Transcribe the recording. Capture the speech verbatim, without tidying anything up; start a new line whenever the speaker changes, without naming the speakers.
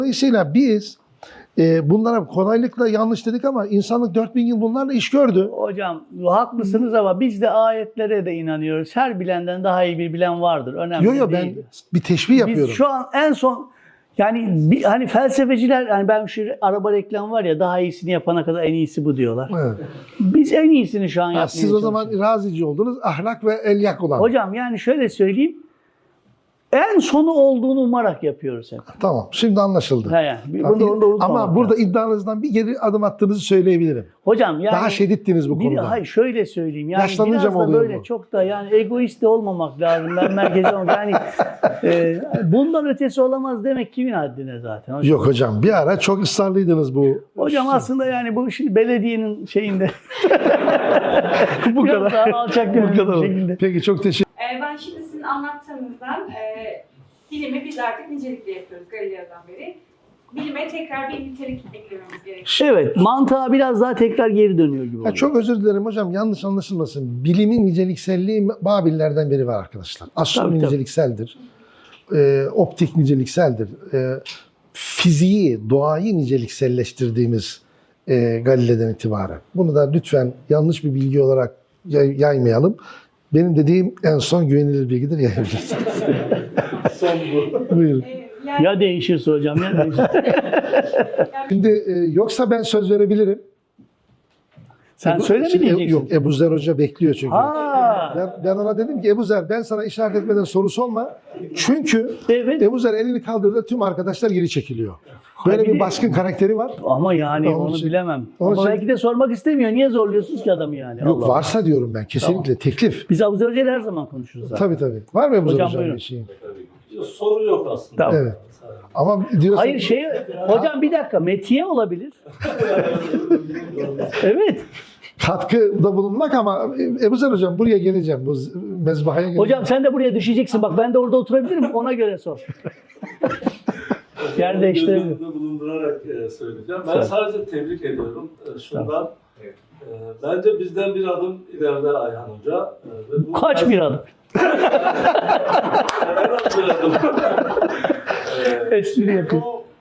Dolayısıyla biz e, bunlara kolaylıkla yanlış dedik ama insanlık dört bin yıl bunlarla iş gördü.
Hocam haklısınız ama biz de ayetlere de inanıyoruz. Her bilenden daha iyi bir bilen vardır. Önemli
Yok yok ben
değil.
bir teşbih yapıyorum.
Biz şu an en son yani bir, hani felsefeciler hani ben şu araba reklamı var ya daha iyisini yapana kadar en iyisi bu diyorlar.
Evet.
Biz en iyisini şu an
Ha,
yapmaya
siz o zaman
çalışıyoruz.
razici oldunuz, ahlak ve elyak olan.
Hocam yani şöyle söyleyeyim. En sonu olduğunu umarak yapıyoruz hep.
Tamam, şimdi anlaşıldı.
He yani. Bunu, onu da unutmamak
Ama burada
lazım.
iddianızdan bir geri adım attığınızı söyleyebilirim.
Hocam yani
Daha şedittiniz bu
bir,
konuda.
hayır şöyle söyleyeyim. Yani
Yaşlanınca
biraz
mı
da
oluyor
böyle
bu?
çok da yani egoist de olmamak lazım. Ben merkezi olmak. Yani e, bundan ötesi olamaz demek kimin haddine zaten. Hocam.
Yok hocam, bir ara çok ısrarlıydınız bu.
Hocam aslında yani bu şimdi belediyenin şeyinde
bu
biraz
kadar.
daha alçak gönüllü bir şekilde.
Peki çok teşekkür
Ee, ben şimdi sizin anlattığınızdan e, bilimi biz artık nicelikle yapıyoruz Galileo'dan beri. Bilime tekrar bir nitelik eklememiz gerekiyor.
Evet, mantığa biraz daha tekrar geri dönüyor gibi oluyor.
Ya çok özür dilerim hocam, yanlış anlaşılmasın. Bilimin nicelikselliği Babillerden beri var arkadaşlar. Astronomi
Tabii, tabii.
nicelikseldir. Ee, optik nicelikseldir. Ee, fiziği, doğayı nicelikselleştirdiğimiz e, Galile'den itibaren. Bunu da lütfen yanlış bir bilgi olarak yay- yaymayalım. Benim dediğim en son güvenilir bilgidir, yayabilirsiniz.
Son bu.
Buyurun.
Ee, yani,
Ya değişirse hocam ya değişirse.
Şimdi e, yoksa ben söz verebilirim.
Sen
Ebu-
söyle mi
Şimdi,
diyeceksin?
Yok, Ebu Zer Hoca bekliyor çünkü.
Ha.
Ben, ben ona dedim ki Ebu Zer, ben sana işaret etmeden sorusu olma. Çünkü
Evet.
Ebu Zer elini kaldırdı, tüm arkadaşlar geri çekiliyor. Böyle
Ha, bir
bir
de-
baskın karakteri var.
Ama yani
Onun
onu
için-
bilemem.
onun
Ama
için-
belki de sormak istemiyor. Niye zorluyorsunuz ki adamı yani?
Yok,
Allah Allah.
varsa diyorum ben kesinlikle teklif.
Biz Abu Zer Hoca'yla her zaman konuşuruz zaten.
Tabii tabii. Var mı Ebu Zer
Hocam,
Hoca'nın
buyurun.
bir şeyi?
Soru yok aslında.
Tamam.
Evet. Ama diyorsun...
Hayır şey, hocam bir dakika metiye olabilir. Evet.
Katkıda bulunmak ama Ebu Zer Hocam buraya geleceğim. Bu mezbahaya geleceğim.
Hocam sen de buraya düşeceksin. Bak ben de orada oturabilirim. Ona göre sor. Yer değiştirebilir.
Göz önünde bulundurarak e, söyleyeceğim. Ben
Söyle.
sadece tebrik ediyorum. E, şundan, e, bence bizden bir adım ileride Ayhan Hoca. E, ve bu
Kaç bir adım?
En az bir adım. E,
Espri yapıyor.
Bu